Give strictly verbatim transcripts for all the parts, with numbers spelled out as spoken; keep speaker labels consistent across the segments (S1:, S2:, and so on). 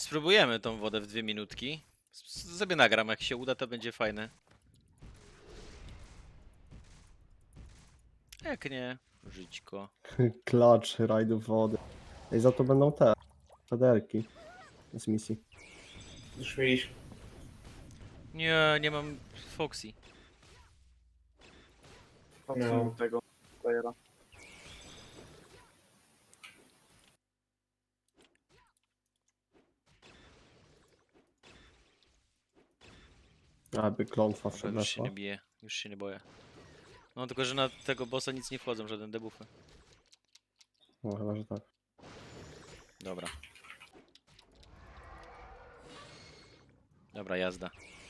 S1: Spróbujemy tą wodę w dwie minutki. S- Sobie nagram, jak się uda, to będzie fajne. Jak nie, żyćko.
S2: Klacz rajdów wody. I za to będą te federki z misji.
S3: Już mieliśmy.
S1: Nie, nie mam Foxy.
S3: No.
S4: Patrzę tego playera.
S2: Aby klątwa
S1: Dobra, już się
S2: przeszła.
S1: nie bije, już się nie boję. No tylko, że na tego bossa nic nie wchodzą, żaden debuffy.
S2: No chyba, że tak.
S1: Dobra. Dobra, jazda.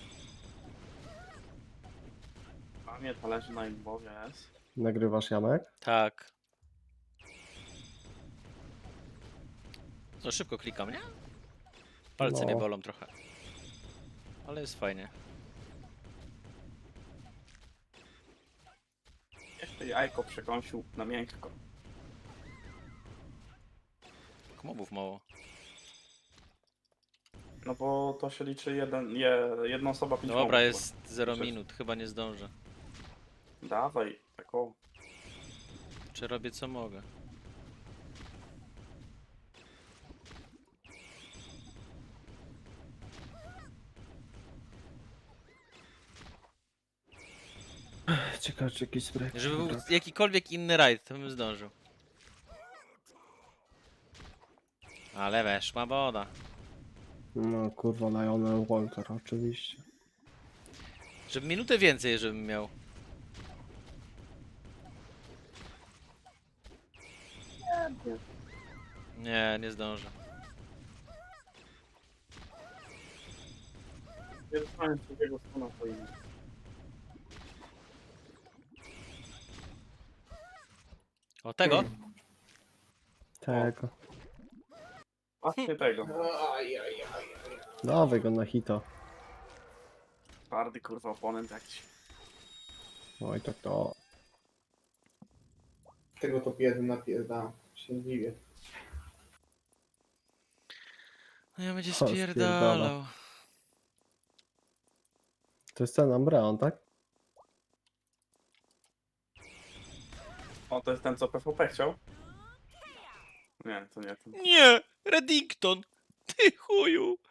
S4: A nie, to leży na imbowie, jest.
S2: Nagrywasz, Janek?
S1: Tak. No szybko klikam, nie? Palce
S2: No.
S1: mnie bolą trochę. Ale jest fajnie.
S4: Jeszcze jajko przekąsił na miękko.
S1: Mobów mało.
S4: No bo to się liczy jeden, je, jedna osoba pięć
S1: Dobra,
S4: mobów.
S1: jest zero
S4: Przecież.
S1: minut, chyba nie zdążę.
S4: Dawaj, tak o.
S1: Czy robię co mogę?
S2: Ciekawe, czy jakiś spray.
S1: Żeby był jakikolwiek inny rajd, to bym zdążył. Ale weszła woda.
S2: No kurwa, Lionel Walker, oczywiście.
S1: Żeby minutę więcej, żebym miał. Nie, nie zdążę.
S4: Nie dostałem drugiego stuna to inny.
S1: O tego?
S2: Tego.
S4: Właśnie tego.
S3: Aj, aj, aj.
S2: Dawaj go na hita.
S4: Twardy kurwa oponent jakiś.
S2: Oj, tak to.
S3: Tego to jeden napierdam. Się nie dziwię.
S1: No ja będzie
S2: O, spierdala.
S1: spierdalał.
S2: To jest ten Umbreon, tak?
S4: O, to jest ten co P V P chciał? Nie, to nie ten.
S1: Nie! Reddington! Ty chuju!